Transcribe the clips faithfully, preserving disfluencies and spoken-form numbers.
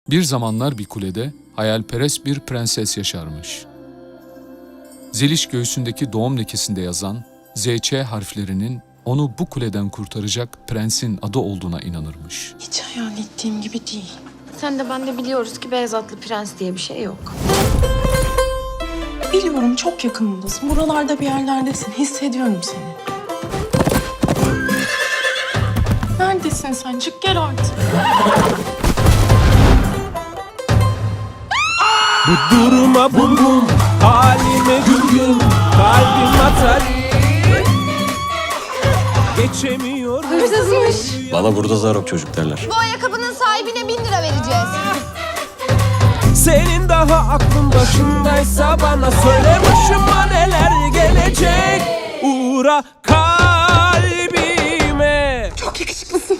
Bir zamanlar bir kulede hayalperest bir prenses yaşarmış. Zeliş göğsündeki doğum lekesinde yazan Z Ç harflerinin onu bu kuleden kurtaracak prensin adı olduğuna inanırmış. Hiç hayal ettiğim gibi değil. Sen de ben de biliyoruz ki beyaz atlı prens diye bir şey yok. Biliyorum çok yakınımdasın. Buralarda bir yerlerdesin. Hissediyorum seni. Neredesin sen? Çık gel artık. Bu duruma bum bum, halime güm güm, kalbim atar. Geçemiyorum. Hırsızmış. Bana burada zarok çocuk derler. Bu ayakkabının sahibine bin lira vereceğiz. Senin daha aklın başındaysa bana söyle, başıma neler gelecek. Uğra kalbime. Çok yakışıklısın.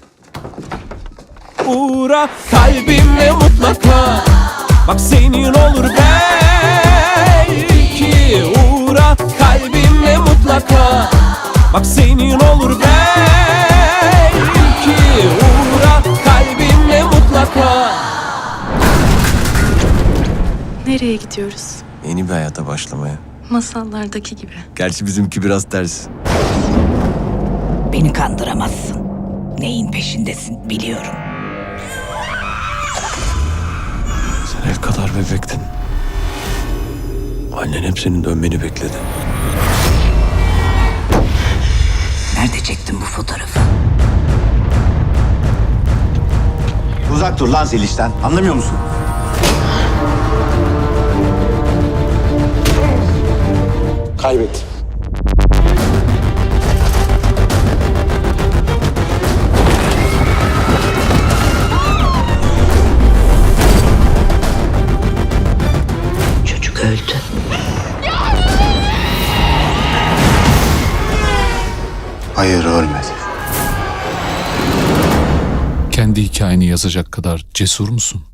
Uğra kalbime mutlaka. Bak senin olur belki. Uğra kalbime mutlaka. Bak senin olur belki. Uğra kalbime mutlaka. Nereye gidiyoruz? Yeni bir hayata başlamaya. Masallardaki gibi. Gerçi bizimki biraz ters. Beni kandıramazsın. Neyin peşindesin biliyorum. Sen el kadar bebektin. Annen hep senin dönmeni bekledi. Nerede çektin bu fotoğrafı? Uzak dur lan Zeliş'ten. Anlamıyor musun? Kaybet. Çocuk öldü. Hayır, ölmedi. Kendi hikayeni yazacak kadar cesur musun?